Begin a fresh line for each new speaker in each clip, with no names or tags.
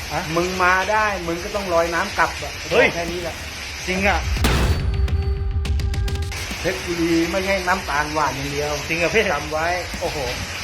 มึงมาได้มึงก็ต้องลอยน้ำกลับอ่ะ
เฮ้ย
แค่นี้แหละ
จริงอ่ะ
เพชรบุรีไม่ใช่น้ำตาลหวานอย่างเดียว
จริงอ่ะพี่
จำไว้
โอ้โห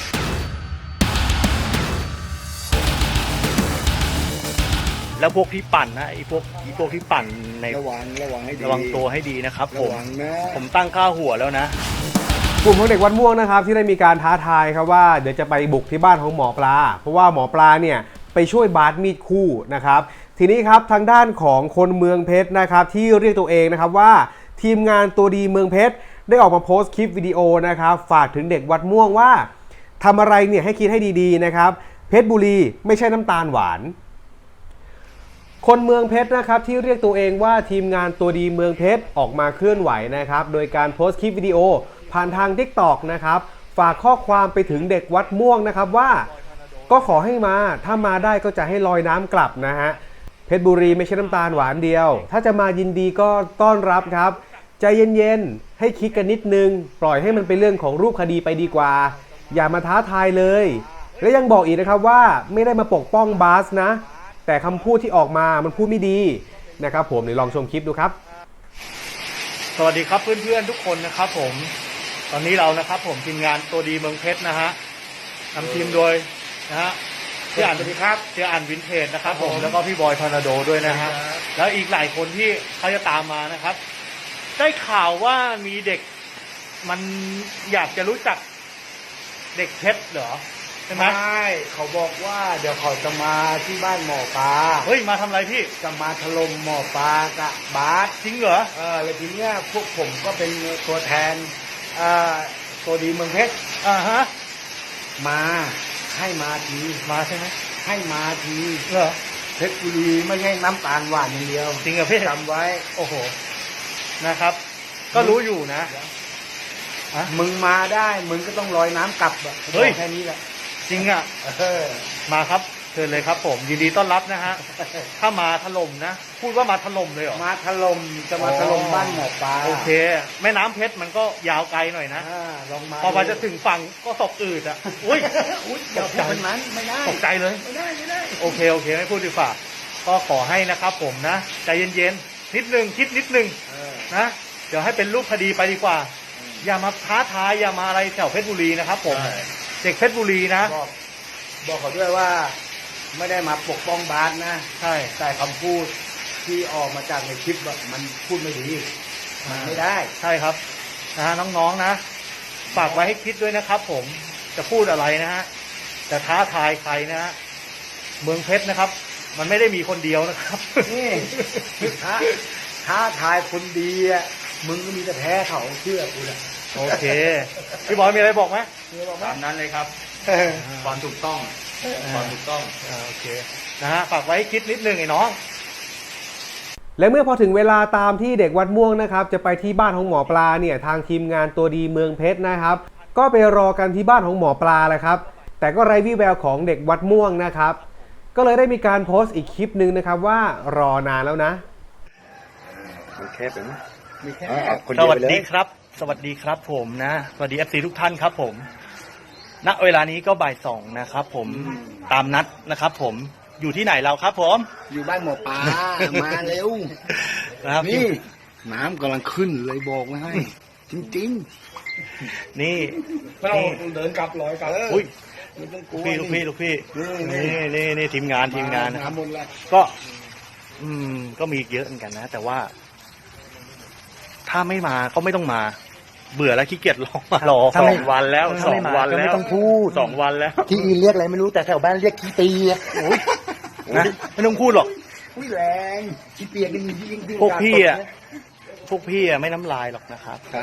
แล้วพวกที่ปั่นนะไอ้พวกที่ปั่นใน
ระวังให้ดี
ระวังตัวให้ดีนะครับผ
ระ
ม
วังนะ
ผมตั้งค่าหัวแล้วนะ
กลุ่มของเด็กวัดม่วงนะครับที่ได้มีการท้าทายครับว่าเดี๋ยวจะไปบุกที่บ้านของหมอปลาเพราะว่าหมอปลาเนี่ยไปช่วยบาสมีดคู่นะครับทีนี้ครับทางด้านของคนเมืองเพชรนะครับที่เรียกตัวเองนะครับว่าทีมงานตัวดีเมืองเพชรได้ออกมาโพสต์คลิปวิดีโอนะครับฝากถึงเด็กวัดม่วงว่าทำอะไรเนี่ยให้คิดให้ดีๆนะครับเพชรบุรีไม่ใช่น้ำตาลหวานคนเมืองเพชรนะครับที่เรียกตัวเองว่าทีมงานตัวดีเมืองเพชรออกมาเคลื่อนไหวนะครับโดยการโพสต์คลิปวิดีโอผ่านทาง TikTok นะครับฝากข้อความไปถึงเด็กวัดม่วงนะครับว่าก็ขอให้มาถ้ามาได้ก็จะให้ลอยน้ำกลับนะฮะเพชรบุรีไม่ใช่น้ำตาลหวานเดียวถ้าจะมายินดีก็ต้อนรับครับใจเย็นๆให้คิดกันนิดนึงปล่อยให้มันเป็นเรื่องของรูปคดีไปดีกว่าอย่ามาท้าทายเลยและยังบอกอีกนะครับว่าไม่ได้มาปกป้องบาสนะแต่คำพูดที่ออกมามันพูดไม่ดีนะครับผมเดี๋ยวลองชมคลิปดูครับ
สวัสดีครับเพื่อนๆทุกคนนะครับผมตอนนี้เรานะครับผมทีมงานตัวดีเมืองเพชรนะฮะนำทีมโดยนะฮะพี่อ่านสวัสดีครับพี่อ่านวินเทจนะครับผมแล้วก็พี่บอยทอร์นาโดด้วยนะฮะแล้วอีกหลายคนที่เขาจะตามมานะครับได้ข่าวว่ามีเด็กมันอยากจะรู้จักเด็กเพชรเหรอใช่ไหม
ไม่เขาบอกว่าเดี๋ยวเขาจะมาที่บ้านหมอปลา
เฮ้ยมาทำอะไรพี่
จะมาถล่มหมอปลากับบาส
จริงเหรอ
แล้วทีเนี้ยพวกผมก็เป็นตัวแทนตัวดีเมืองเพชร
อ่าฮะ
มาให้มาที
มาใช่ไหม
ให้มาที
เหรอ
เพชรบุรีไม่ใช่น้ำตาลหวานอย่างเดียว
จริงเหรอพี่
จำไว้
โอ้โหนะครับ ก็รู้อยู่นะ
มึงมาได้มึงก็ต้องลอยน้ำกลับอ่ะ
เฮ้ย
แค่นี้แหละ
จริงอ่ะ
เออ
มาครับเชิญเลยครับผมยินดีต้อนรับนะฮะถ้ามาถล่มนะพูดว่ามาถล่มเลยเหรอ
มาถล่มจะมาถล่ม
อ๋อ
บ้านหมอปลา
โอเค แม่น้ำเพชรมันก็ยาวไกลหน่อยนะ
ลองมา
พอมาจะถึงฝั่งก็ศพอืดอ่ะอุ้ย
อุ๊ยอย่าพูดแบบนั้นไม่ได้
ตกใจเลย
ไม่ได้
โอเคไม่พูดดีกว่าก็ขอให้นะครับผมนะใจเย็นๆนิดนึงคิดนิดนึง
เออ
นะเดี๋ยวให้เป็นรูปคดีไปดีกว่า อย่ามาท้าทายอย่ามาอะไรแถวเพชรบุรีนะครับผม
ใช่
เด็กเพชรบุรีนะ
บอกเขาด้วยว่า ไม่ได้มาปกป้องบาสนะ
ใช่
แต่คำพูดที่ออกมาจากในคลิปแบบมันพูดไม่ดีมันไม่ได้
ใช่ครับนะฮะน้องๆนะฝากไว้ให้คิดด้วยนะครับ ผมจะพูดอะไรนะฮะจะท้าทายใครนะฮะเมืองเพชรนะครับ มันไม่ได้มีคนเดียวนะครับ
นี่ท้าทายคนดีอ่ะมึงก็มีแต่แพ้เขาเชื่อกูนะ
โอเคพี่บอยมีอะไรบอกไหม
ตามนั้นเลยครับความถูกต้องความถูกต้อง
โอเคนะฮะฝากไว้ให้คิดนิดนึงไอ้น้อง
และเมื่อพอถึงเวลาตามที่เด็กวัดม่วงนะครับจะไปที่บ้านของหมอปลาเนี่ยทางทีมงานตัวดีเมืองเพชรนะครับก็ไปรอกันที่บ้านของหมอปลาแหละครับแต่ก็ไร้วี่แววของเด็กวัดม่วงนะครับก็เลยได้มีการโพสต์อีกคลิปหนึ่งนะครับว่ารอนานแล้วนะ
มีแคบไหมมีแคบ
สวัสดีครับ สวัสดีครับผมนะสวัสดี FC ทุกท่านครับผมณเวลานี้ก็บ่าย2นะครับผมตามนัดนะครับผมอยู่ที่ไหนเราครับผม
อยู่บ้านหมอปลามาเร็ว
นะครับ
นี่น้ำกำลังขึ้นเลยบอกไว้ให้ จริง
นี่
ๆเราเดินกลับร้อยกลับ
อุ้ย
ไม่ต้องกลัว
ลูกพี่
นี่
นี่ทีมงานนะครับ
หมดแล้ว
ก็ ก็มีเยอะเหมือนกันนะ แต่ว่า ถ้าไม่มาก็ไม่ต้องมา เบื่อแล้วขี้เกียจรอมารอ
ถ้าไม่
2 วันแล้ว
ถ้าไม่
2
มา
วัน
ก็
แล้
ไม่
ว
ต้องพูด
2 วันแล้ว
ที่อื่นเรียกอะไรไม่รู้แต่แถวบ้านเรียกขี้ตีอะ
นะไม่ต้องพูดหรอก
อุ้ยแรงขี้เปียกนี่มียิ่ง
พวกพี่อ่ะไม่น้ำลายหรอกนะครับ
ใช่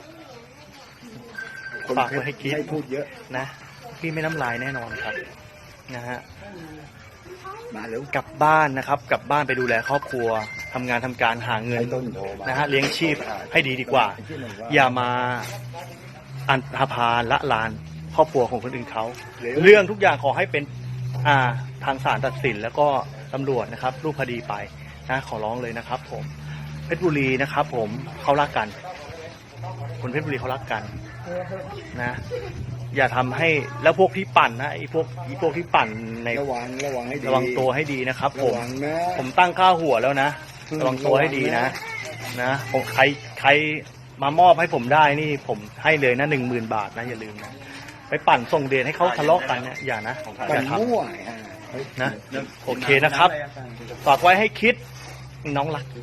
ฝากไว้ให้คิด
ให้พูดเยอะ
นะ พี่ไม่น้ำลายแน่นอนครับ นะฮะ
มาเร็ว
กลับบ้านนะครับ กลับบ้านไปดูแลครอบครัวทำงานทำการหาเงิน
ไอ้ต้นโทรมา
นะฮะเลี้ยงชีพให้ดีดีกว่า อย่ามาอันธพาลละลานครอบครัวของคนอื่นเขาเรื่องทุกอย่างขอให้เป็นทางศาลตัดสินแล้วก็ตำรวจนะครับรูปคดีไปนะขอร้องเลยนะครับ ผมเพชรบุรีนะครับ ผมเขารักกันคนเพชรบุรีเขารักกันนะอย่าทำให้แล้วพวกที่ปั่นนะไอ้พวกที่ปั่นใน
ระวังให้ดี
ระวังตัวให้ดีนะครับผ
ระ
ม
วังนะ
ผมตั้งค่าหัวแล้วนะระวังตัวให้ดีนะผมใครมามอบให้ผมได้นี่ผมให้เลยนะ10,000 บาทนะอย่าลืมนะไปปั่นส่งเดชให้เขาทะเลาะกันเนี่ยอย่านะ
ปั่
อย่าน ท
มั่ว
ำนะโอเคนะครับฝากไว้ให้คิดน้องรัก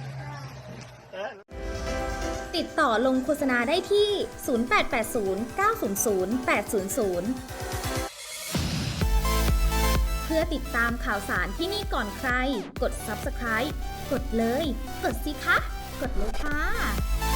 ติดต่อลงโฆษณาได้ที่ 0880 900 800 เพื่อติดตามข่าวสารที่นี่ก่อนใคร กด Subscribe กดเลย กดสิคะ กดเลยค่ะ